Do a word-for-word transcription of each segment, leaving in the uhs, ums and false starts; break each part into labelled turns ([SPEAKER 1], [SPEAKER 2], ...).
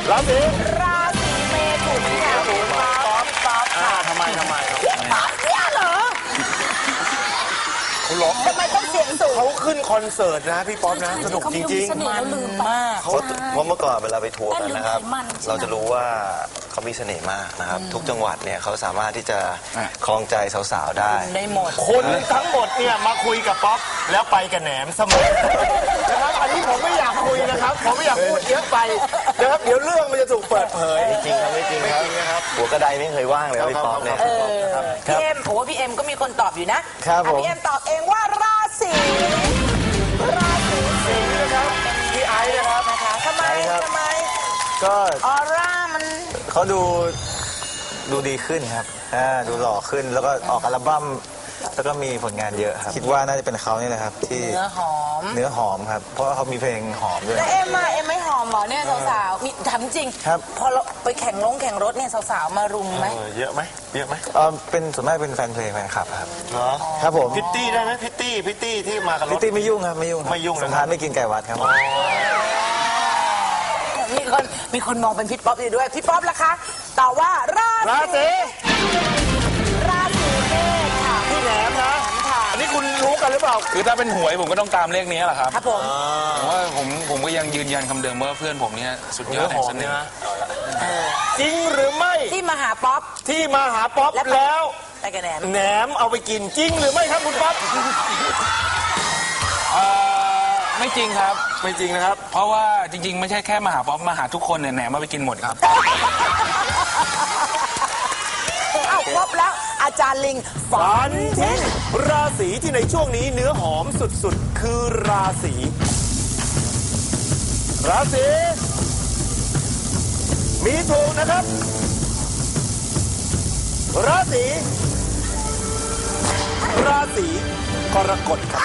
[SPEAKER 1] ราศี
[SPEAKER 2] ราศีเมถุนค่ะคุณป๊อปป๊อปค่ะ
[SPEAKER 1] ทำไมทำไม
[SPEAKER 2] ป๊อปเนี่ยเหรอ
[SPEAKER 1] เขาร้อง
[SPEAKER 2] ทำไมต้องเสียงสูง
[SPEAKER 1] เขาขึ้นคอนเสิร์ตนะพี่ป๊อปนะสนุกจริง
[SPEAKER 2] ๆมันมาก
[SPEAKER 3] เพราะเพราะเมื่อก่อนเวลาไปทัวร์กันนะครับเราจะรู้ว่าเขามีเสน่ห์มากนะครับทุกจังหวัดเนี่ยเขาสามารถที่จะคล้องใจสาวๆได้
[SPEAKER 2] ได้หมด
[SPEAKER 1] คนทั้งหมดเนี่ยมาคุยกับป๊อปแล้วไปกับแหนมเสมอนะครับอันนี้ผมไม่อยากคุยนะครับผมไม่อยากพูดเยอะไปนะครับเดี๋ยวเรื่องมันจะถูกเปิดเผย
[SPEAKER 3] จริงครับไม่จริงครับหัวกระไดไม่เคยว่างเลยพี่ป๊อปเนี่ย
[SPEAKER 2] พี่เอ็มโอ้พี่เอ็มก็มีคนตอบอยู่นะครับพี่เอ็มตอบเองว่าราศีราศีสิงห์นะครับ
[SPEAKER 1] พี่ไอซ์นะครับ
[SPEAKER 2] ทำไมทำไม
[SPEAKER 3] ก็
[SPEAKER 2] ออร่ามัน
[SPEAKER 3] เขาดูดูดีขึ้นครับดูหล่อขึ้นแล้วก็ออกอัลบั้มแล้วก็มีผลงานเยอะครับคิดว่าน่าจะเป็นเขานี่แหละครับที่
[SPEAKER 2] เนื้อหอม
[SPEAKER 3] เนื้อหอมครับเพราะว่าเขามีเพลงหอมด้วย
[SPEAKER 2] แล้วเอ็มอะเอ็มไม่หอมหรอเนี่ยสาวๆมีถามจริง
[SPEAKER 3] ครับ
[SPEAKER 2] พอเราไปแข่งลงแข่งรถเนี่ยสาวๆมารุมไหม
[SPEAKER 1] เยอะไหมเยอะไหม
[SPEAKER 3] เออเป็นส่วนมากเป็นแฟนเพลงแฟนคลับครับ
[SPEAKER 1] เหรอ
[SPEAKER 3] ครับผม
[SPEAKER 1] พิตตี้ได้ไหมพิตตี้พิตตี้ที่มากับรถ
[SPEAKER 3] พิตตี้ไม่ยุ่งครับไม่ยุ่ง
[SPEAKER 1] ไม่ยุ่ง
[SPEAKER 3] สถานไม่กินไก่วัดครับ
[SPEAKER 2] มีคนมีคนมองเป็นพี่ป๊อปอยู่ด้วยพี่ป๊อปล่ะคะตอบว่ารา
[SPEAKER 1] ศี
[SPEAKER 2] ราศีเมษค่ะ
[SPEAKER 1] พี่แหนมนะอันนี้คุณรู้กันหรือเปล่า
[SPEAKER 4] คือถ้าเป็นหวยผมก็ต้องตามเลขนี้แหละครับ
[SPEAKER 2] ครับผม
[SPEAKER 4] ผมว่าผมผมก็ยังยืนยันคำเดิมว่าเพื่อนผมเนี่ยสุดยอดแห่งเสน่ห์
[SPEAKER 1] จริงหรือไม่
[SPEAKER 2] ที่มาหาป๊อป
[SPEAKER 1] ที่มาหาป๊อปแล้ว
[SPEAKER 2] ไปกับแหนม
[SPEAKER 1] แหนมเอาไปกินจริงหรือไม่ครับคุณป๊อป
[SPEAKER 4] ไม่จริงครับ
[SPEAKER 1] ไม่จริงนะครับ
[SPEAKER 4] เพราะว่าจริงๆไม่ใช่แค่มาหาป๊อปมาหาทุกคนเนี่ยแหนมมาไปกินหมดครับ
[SPEAKER 2] อ้าวครบแล้วอาจารย์ลิง
[SPEAKER 1] ฝันทิ้งราศีที่ในช่วงนี้เนื้อหอมสุดๆคือราศีราศีมีถูกนะครับราศีราศีกรกฎครับ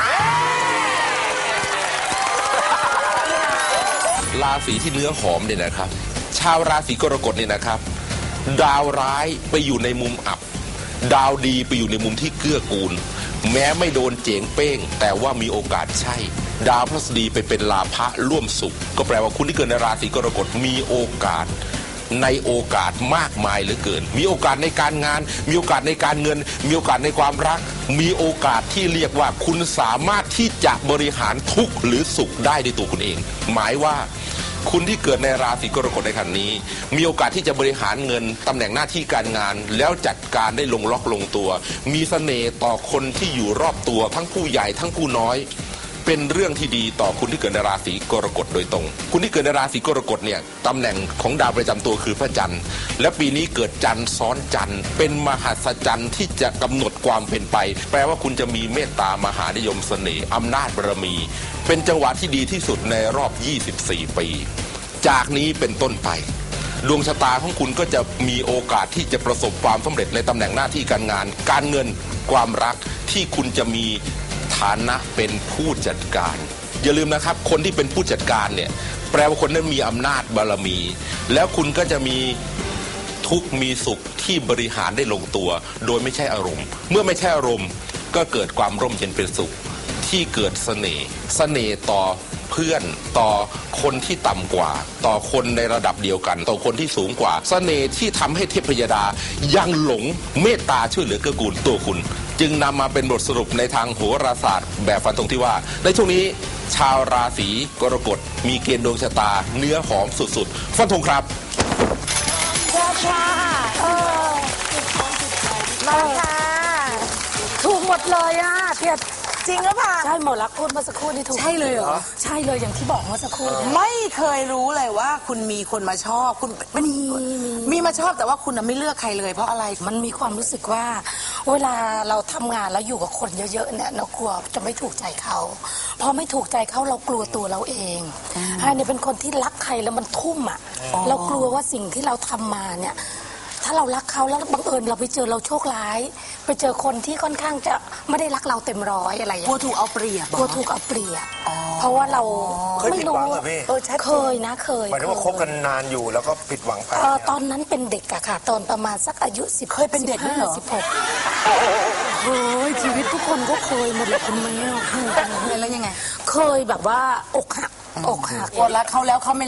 [SPEAKER 5] ราศีที่เนื้อหอมเนี่ยนะครับชาวราศีกรกฎเนี่ยนะครับดาวร้ายไปอยู่ในมุมอับดาวดีไปอยู่ในมุมที่เกื้อกูลแม้ไม่โดนเจ๋งเป้งแต่ว่ามีโอกาสใช่ดาวพฤหัสบดีไปเป็นลาภะร่วมสุขก็แปลว่าคุณที่เกิดในราศีกรกฎมีโอกาสในโอกาสมากมายเหลือเกินมีโอกาสในการงานมีโอกาสในการเงินมีโอกาสในความรักมีโอกาสที่เรียกว่าคุณสามารถที่จะบริหารทุกข์หรือสุขได้ด้วยตัวคุณเองหมายว่าคุณที่เกิดในราศีกรกฎในขณะนี้มีโอกาสที่จะบริหารเงินตำแหน่งหน้าที่การงานแล้วจัดการได้ลงล็อกลงตัวมีเสน่ห์ต่อคนที่อยู่รอบตัวทั้งผู้ใหญ่ทั้งผู้น้อยเป็นเรื่องที่ดีต่อคุณที่เกิดในราศีกรกฎโดยตรงคุณที่เกิดในราศีกรกฎเนี่ยตำแหน่งของดาวประจำตัวคือพระจันทร์และปีนี้เกิดจันทร์ซ้อนจันทร์เป็นมหัศจรรย์ที่จะกำหนดความเป็นไปแปลว่าคุณจะมีเมตตามหานิยมเสน่ห์อำนาจบารมีเป็นจังหวะที่ดีที่สุดในรอบยี่สิบสี่ปีจากนี้เป็นต้นไปดวงชะตาของคุณก็จะมีโอกาสที่จะประสบความสำเร็จในตำแหน่งหน้าที่การงานการเงินความรักที่คุณจะมีฐานะเป็นผู้จัดการอย่าลืมนะครับคนที่เป็นผู้จัดการเนี่ยแปลว่าคนนั้นมีอำนาจบารมีแล้วคุณก็จะมีทุกข์มีสุขที่บริหารได้ลงตัวโดยไม่ใช่อารมณ์เมื่อไม่ใช่อารมณ์ก็เกิดความร่มเย็นเป็นสุขที่เกิดเสน่ห์เสน่ห์ต่อเพื่อนต่อคนที่ต่ำกว่าต่อคนในระดับเดียวกันต่อคนที่สูงกว่าเสน่ห์ที่ทำให้เทพยดายังหลงเมตตาช่วยเหลือเกื้อกูลตัวคุณจึงนำมาเป็นบทสรุปในทางโหราศาสตร์แบบฟันธงที่ว่าในช่วงนี้ชาวราศีกรกฎมีเกณฑ์ดวงชะตาเนื้อหอมสุดๆฟันธงครับ
[SPEAKER 2] ชาชาเออมาค่ะถูกหมดเลยอ่ะเพียรจริงหรือเปล่า
[SPEAKER 6] ใช่หมดรักพูดเมื่อสักครู่นี่ถูก
[SPEAKER 2] ใช่เลยเหรอ
[SPEAKER 6] ใช่เลยอย่างที่บอกเมื่อสักครู่
[SPEAKER 2] ไม่เคยรู้เลยว่าคุณมีคนมาชอบคุณมีมีมาชอบแต่ว่าคุณไม่เลือกใครเลยเพราะอะไร
[SPEAKER 6] มันมีความรู้สึกว่าเวลาเราทำงานแล้วอยู่กับคนเยอะๆเนี่ยเรากลัวจะไม่ถูกใจเขาพอไม่ถูกใจเขาเรากลัวตัวเราเองไอ้เนี่ยเป็นคนที่รักใครแล้วมันทุ่มอ่ะเรากลัวว่าสิ่งที่เราทำมาเนี่ยถ้าเรารักเขาแล้วบังเอิญเราไปเจอเราโชคร้ายไปเจอคนที่ค่อนข้างจะไม่ได้รักเราเต็มร้อยอะไร
[SPEAKER 2] กลัวถูกเอาเปรียบ
[SPEAKER 6] กลัวถูกเอาเปรียบเพราะว่าเรา
[SPEAKER 1] ไม่รู้
[SPEAKER 6] เออเคยนะเคย
[SPEAKER 1] หมายถึงว่าคบกันนานอยู่แล้วก็ผิดหวังไป
[SPEAKER 6] ตอนนั้นเป็นเด็กอะค่ะตอนประมาณสักอายุสิบ
[SPEAKER 2] เคยเป็นเด็กด้วยเหรอ
[SPEAKER 6] สิบหกเฮ้ยชีวิตทุกคนก็เคยหมดเลยคุณแม่
[SPEAKER 2] แล้วยังไง
[SPEAKER 6] เคยแบบว่าอกหักอกหัก
[SPEAKER 2] กดรักเขาแล้วเขาไม่รัก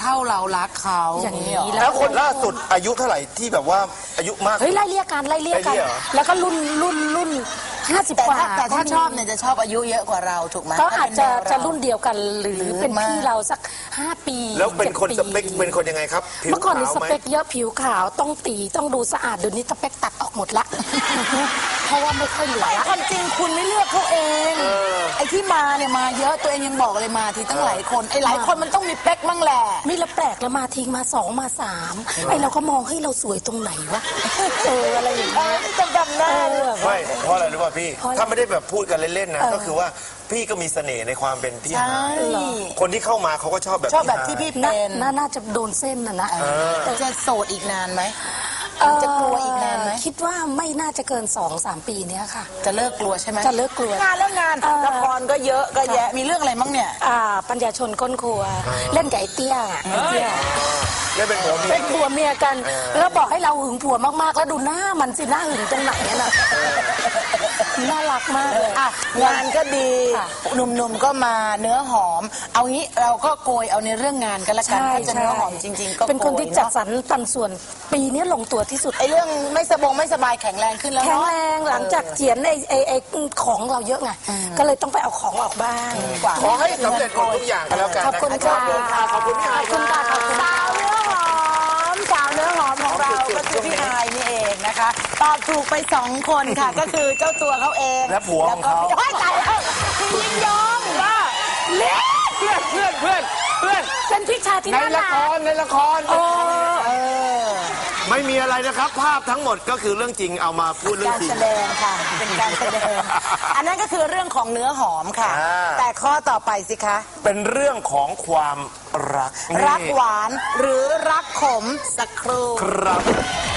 [SPEAKER 7] เท่าเรารักเขา
[SPEAKER 6] อย่างนี้
[SPEAKER 7] นี้
[SPEAKER 1] แล้วคนล่าสุดอายุเท่าไหร่ที่แบบว่าอายุมาก
[SPEAKER 6] เฮ้ยไล่เรียกกันไล่เรียกกัน
[SPEAKER 1] ไล่เรียกเหรอ
[SPEAKER 6] แล้วก็รุ่นรุ่นรุ่นห้าสิบ
[SPEAKER 7] แต่
[SPEAKER 6] กว่า
[SPEAKER 7] ถ้าแต่ถ้า
[SPEAKER 6] ก็มี
[SPEAKER 7] ชอบเนี่ยจะชอบอายุเยอะกว่าเราถูกไหม
[SPEAKER 6] ก็อาจจะ
[SPEAKER 7] ถ้าเป็นแนวเรา
[SPEAKER 6] จะรุ่นเดียวกันหรือหรือเป็น
[SPEAKER 7] มาก
[SPEAKER 6] พี่เราสักห้าปี
[SPEAKER 1] แล้วเป็นคน
[SPEAKER 6] จ็ด
[SPEAKER 1] สเปคเป็นคนยังไงครับผิว
[SPEAKER 6] เมื่อก่อนนี่
[SPEAKER 1] ขาว
[SPEAKER 6] ส
[SPEAKER 1] ไหม
[SPEAKER 6] เปคเยอะผิวขาวต้องตีต้องดูสะอาดเดี๋ยวนี้สเปคตัดออกหมดละ เพราะว่าไม่ค่อยเหลือละ
[SPEAKER 7] ความจริงคุณไม่เลือกเขาเองไอ้ที่มาเนี่ยมาเยอะตัวเองยังบอกเลยมาทีตั้งหลายคนไอ้หลายคนมันต้องมีเป๊กมั่งแหละ
[SPEAKER 6] ไม่ละแปลกแล้วมาทิ้งมาสองมาสามไอเราก็มองให้เราสวยตรงไหนวะเอออะไรอย่างเงี้ย
[SPEAKER 7] จะดำหน้า
[SPEAKER 6] เออ
[SPEAKER 1] ไม่เพราะอะไรรู้ป่ะพี่
[SPEAKER 6] เพราะอะไร
[SPEAKER 1] ถ้าไม่ได้แบบพูดกันเล่นๆนะ
[SPEAKER 6] เออ
[SPEAKER 1] ก็คือว่าพี่ก็มีเสน่ห์ในความเป็นพี่
[SPEAKER 7] ใช่
[SPEAKER 1] ฮายคนที่เข้ามาเขาก็ชอบแบบ
[SPEAKER 7] ชอบแบบ
[SPEAKER 1] ฮาย
[SPEAKER 7] ที่พี่
[SPEAKER 6] น่า
[SPEAKER 7] เป็น
[SPEAKER 6] น่าน่าจะโดนเส้นน่ะนะ
[SPEAKER 7] แต่จะโสดอีกนานไหม
[SPEAKER 6] เอ่อ
[SPEAKER 7] จะกลัวอีกนานไหม
[SPEAKER 6] คิดว่าไม่น่าจะเกินสองสามปีเนี้ยค่ะ
[SPEAKER 7] จะเลิกกลัวใช่ไหม
[SPEAKER 6] จะเลิกกลัว
[SPEAKER 7] งานแล้วงาน
[SPEAKER 6] เอ่อ
[SPEAKER 7] ละครก็เยอะก็แยะมีเรื่องอะไรมั่งเนี่ย
[SPEAKER 6] อ่าปัญญาชนก้นครัว เล่นกับไอ้เตี้ยอะไอ้เตี้ย
[SPEAKER 1] ได้เป็นผัวเมีย
[SPEAKER 6] เป็นผัวเมียกัน แล้วบอกให้เราหึงผัวมากๆ แล้วดูหน้ามันสิหน้าหึงตรงไหนอะน่ะน่ารักมากเลย
[SPEAKER 7] อ่ะงานก็ดี
[SPEAKER 6] ค่ะ
[SPEAKER 7] หนุ่มๆก็มาเนื้อหอม เอางี้เราก็โกยเอาในเรื่องงานกันละกัน
[SPEAKER 6] ใช่
[SPEAKER 7] ถ้าจะ
[SPEAKER 6] ใช่
[SPEAKER 7] เนื้อหอมจริง ๆ ก็
[SPEAKER 6] เป็นคนที่จัด
[SPEAKER 7] โกย
[SPEAKER 6] สรรปันส่วนปีนี้ลงตัวที่สุด
[SPEAKER 7] ไอ้เรื่องไม่สบงไม่สบายแข็งแรงขึ้นแล้ว
[SPEAKER 6] แข็ง
[SPEAKER 7] เนาะ
[SPEAKER 6] แรงหลังจากเจียนไอ้ไอ้ไอ้ของเราเยอะไงก็เลยต้องไปเอาของออกบ้าง
[SPEAKER 7] กว่า
[SPEAKER 1] ขอให้สำเร็จหมดทุกอย่างกันแล้วกัน
[SPEAKER 6] ขอบคุณ
[SPEAKER 1] นะ
[SPEAKER 6] ค่ะ
[SPEAKER 1] รับขอบคุณพี่ฮาย
[SPEAKER 6] ขอบคุณค่ะขอบคุณ
[SPEAKER 7] สาวเนื้อหอมสาวเนื้อหอมของเราก็คือพี่ฮายนี่เองนะคะตอบถูกไปสองคนค่ะ ก็คือเจ้าตัวเขาเอง
[SPEAKER 1] และผัวของเขา
[SPEAKER 7] แล้วก็พี่ตายแล้วพี่ยิ่งยงว่า
[SPEAKER 6] เล็ก
[SPEAKER 4] เพื่อนเพื่อนเพื่อนเพื่อน
[SPEAKER 6] เป็นพี่ชายที่
[SPEAKER 1] ใน
[SPEAKER 6] น่า
[SPEAKER 1] ละ
[SPEAKER 6] รั
[SPEAKER 1] ค
[SPEAKER 6] ก
[SPEAKER 1] รในละคร
[SPEAKER 6] โอ้
[SPEAKER 1] ไม่มีอะไรนะครับ ภาพทั้งหมดก็คือเรื่องจริงเอามาพูดเรื่อง
[SPEAKER 7] การ
[SPEAKER 1] จริง
[SPEAKER 7] แสดงค่ะ เป็นการแสดง อันนั้นก็คือเรื่องของเนื้อหอมค่ะ
[SPEAKER 1] อ่า
[SPEAKER 7] แต่ข้อต่อไปสิคะ
[SPEAKER 1] เป็นเรื่องของความรัก
[SPEAKER 7] รัก
[SPEAKER 1] นี่
[SPEAKER 7] หวานหรือรักขมสักครู่
[SPEAKER 1] ครับ